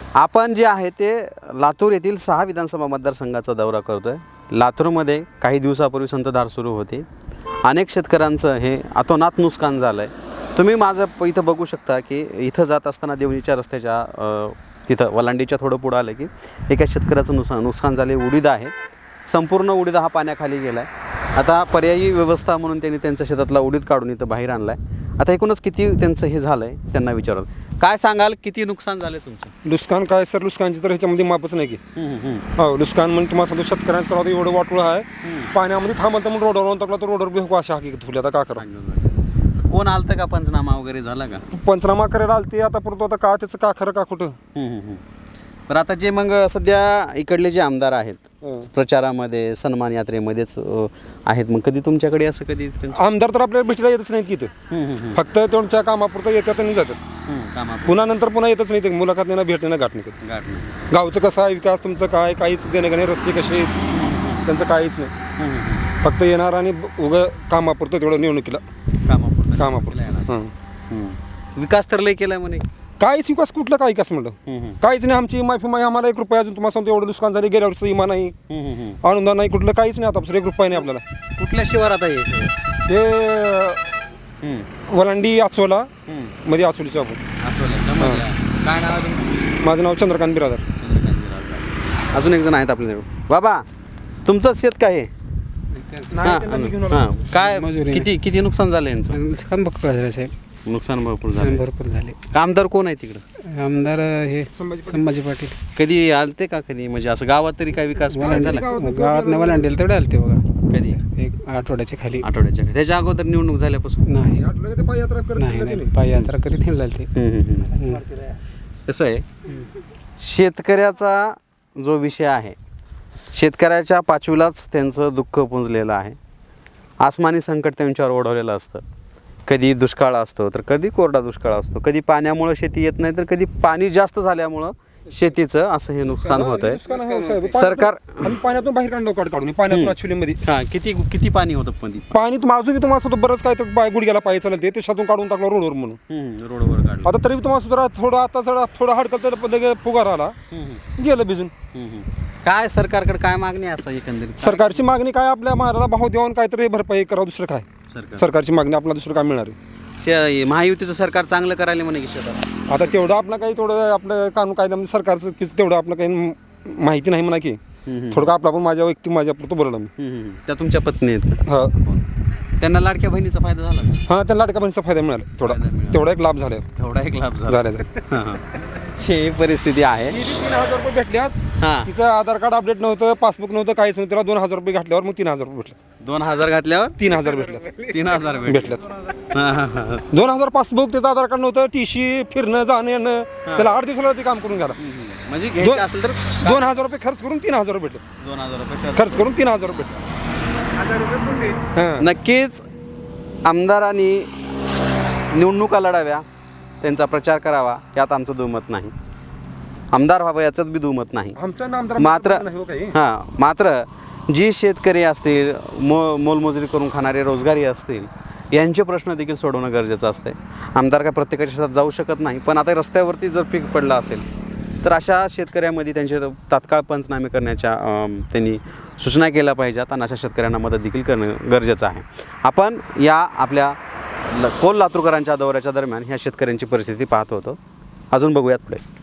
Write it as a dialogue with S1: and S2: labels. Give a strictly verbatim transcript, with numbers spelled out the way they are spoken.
S1: आपण जे आहे ते लातूर येथील सहा विधानसभा मतदारसंघाचा दौरा करतोय। लातूरमध्ये काही दिवसापूर्वी संतधार सुरू होती। अनेक शेतकऱ्यांचं हे अतोनात नुकसान झालं आहे। तुम्ही माझं इथं बघू शकता की इथं जात असताना देवणीच्या रस्त्याच्या तिथं वलांडीच्या थोडं पुढं आलं की एका शेतकऱ्याचं नुकसान नुकसान झाले। उडीद आहे, संपूर्ण उडीद हा पाण्याखाली गेला आहे। आता पर्यायी व्यवस्था म्हणून त्यांनी त्यांच्या शेतातला उडीद काढून इथं बाहेर आणला आहे। आता एकूणच किती त्यांचं हे झालं आहे त्यांना विचाराल, काय सांगाल किती नुकसान झालं तुमचं?
S2: नुकसान काय सर, नुकसानची तर ह्याच्यामध्ये मापच नाही की हो नुकसान म्हणजे तुम्हाला सांगतो शेतकऱ्यांचं तर एवढं वाटलं आहे पाण्यामध्ये थांबलं तर मग रोडवर टाकला तर रोडवर बी अशा हकीकत फुले। आता का करा,
S1: कोण आलतं का, पंचनामा वगैरे झाला का?
S2: पंचनामा करायला आलते आता परत आता का त्याचं का खरं का खोटं।
S1: पण आता जे मग सध्या इकडले जे आमदार आहेत प्रचारामध्ये सन्मान यात्रेमध्येच आहेत, मग कधी तुमच्याकडे असं कधी
S2: आमदार तर आपल्याला भेटीला येतच नाहीत की इथं, फक्त त्यांच्या कामापुरतं येतात आणि जातात, पुन्हा नंतर पुन्हा येतच नाही ते मुलाखत नाही, भेटणे ना गाठ नाही। गावचं कसं आहे, विकास तुमचं काय, काहीच देणे का नाही, रस्ते कसे आहेत त्यांचं काहीच नाही, फक्त येणार आणि उगं कामापुरतं तेवढं निवडणुकीला
S1: कामापुरतं
S2: कामापुरतं
S1: हां विकास तर लय केलाय म्हणे।
S2: काहीच विकास कुठलं काय विकास म्हणलं काहीच नाही। आमची माफी माही आम्हाला एक रुपया अजून तुम्हाला सांगतो एवढं नुकसान झाले, गेल्या वर्षी इमा नाही, अनुदान नाही, कुठलं काहीच नाही। आता एक रुपया नाही आपल्याला।
S1: कुठल्या शिवारात आहे
S2: ते वलांडी आचवला मध्ये आचवलीच्या आपण।
S1: काय नाव आहे?
S2: माझं नाव चंद्रकांत बिरादर।
S1: अजून एक जण आहेत आपल्याकडे। बाबा तुमचं शेत काय आहे? हां काय किती किती नुकसान झालं यांचं?
S3: नुकसान भरपूर झालं साहेब,
S1: नुकसान भरपूर झालं,
S3: भरपूर झाले।
S1: आमदार कोण आहे तिकडं?
S3: आमदार हे संभाजी पाटील।
S1: कधी आलते का कधी, म्हणजे असं गावात तरी काय विकास झाला?
S3: गावात नवलांडेल तेवढे आलते बघा,
S1: कधी
S3: एक आठवड्याच्या खाली,
S1: आठवड्याच्या खाली। त्याच्या अगोदर निवडणूक झाल्यापासून
S3: नाही नाही नाही पाययात्रा करीत हे लागते।
S1: कसं आहे, शेतकऱ्याचा जो विषय आहे, शेतकऱ्याच्या पाचवीलाच त्यांचं दुःख पुंजलेलं आहे। आसमानी संकट त्यांच्यावर ओढवलेलं असतं। कधी दुष्काळ असतो तर कधी कोरडा दुष्काळ असतो, कधी पाण्यामुळं शेती येत नाही तर कधी पाणी जास्त झाल्यामुळं शेतीचं असं हे नुकसान होत आहे। सरकार
S2: पाण्यातून बाहेर काढलं काढून पाण्यातून ॲक्च्युअलीमध्ये
S1: हां किती किती पाणी होतं पण
S2: पाणी तुम्हाला तुम्हाला असं बरंच काय तर पाय गुडघ्याला पाय चालत ते त्याच्यातून काढून टाकलं रोडवर म्हणून
S1: रोडवर काढलं।
S2: आता तरी तुम्हाला सुद्धा थोडं आता जरा थोडं हडकल तर लगे फुगार आला गेलं भिजून।
S1: काय सरकारकडे काय मागणी आहे असं एकंदरीत?
S2: सरकारची मागणी काय, आपल्या महाराला भाव देऊन काहीतरी भरपाई करावं, दुसरं काय सरकारची मागणी आपल्याला दुसरं काय मिळणार आहे?
S1: महायुतीचं सरकार चांगलं करायला म्हणे की शेतात
S2: आता तेवढं आपलं काही थोडं आपलं कानून कायद्यामध्ये सरकारचं तेवढं आपलं काही माहिती नाही म्हणा की थोडं आपला पण माझ्या व्यक्ती माझ्या पुरतं बोललं मी।
S1: त्या तुमच्या पत्नी आहेत
S2: हां,
S1: त्यांना लाडक्या बहिणीचा फायदा झाला?
S2: हां त्यांना लाडक्या बहिणीचा फायदा मिळाला, थोडा तेवढा एक लाभ झाला,
S1: तेवढा एक लाभ झाला।
S2: झाला
S1: ही परिस्थिती आहे।
S2: तीन हजार रुपये भेटल्यात,
S1: हां
S2: तिचं आधार कार्ड अपडेट नव्हतं, पासबुक नव्हतं, काहीच नव्हतं, त्याला दोन हजार रुपये घातल्यावर मग तीन हजार रुपये भेटले।
S1: दोन हजार घातल्यावर
S2: तीन हजार भेटल्यात
S1: तीन हजार
S2: भेटल्यात दोन हजार पासबुक, त्याचं आधार कार्ड नव्हतं, टी सी, फिरणं जाणं येणं, त्याला आठ दिवसाला ते काम करून घ्याला।
S1: म्हणजे घ्यायचं असेल तर
S2: दोन हजार रुपये खर्च करून तीन हजार रुपये भेटले,
S1: दोन हजार रुपये
S2: खर्च करून तीन हजार रुपये भेटले।
S1: नक्कीच आमदारांनी निवडणुका लढाव्या, त्यांचा प्रचार करावा यात आमचं दुमत नाही, आमदार व्हावं याचंच बी दुमत नाही। मात्र हां मात्र जी शेतकरी असतील, मो मोलमजुरी करून खाणारे रोजगारी असतील, यांचे प्रश्न देखील सोडवणं गरजेचं असते। आमदार काय प्रत्येकाच्या शेतात जाऊ शकत नाही, पण आता रस्त्यावरती जर पीक पडलं असेल तर अशा शेतकऱ्यामध्ये त्यांचे तात्काळ पंचनामे करण्याच्या त्यांनी सूचना केल्या पाहिजेत आणि अशा शेतकऱ्यांना मदत देखील करणं गरजेचं आहे। आपण या आपल्या कोल लातूरकरांच्या दौऱ्याच्या दरम्यान ह्या शेतकऱ्यांची परिस्थिती पाहत होतो। अजून बघूयात पुढे।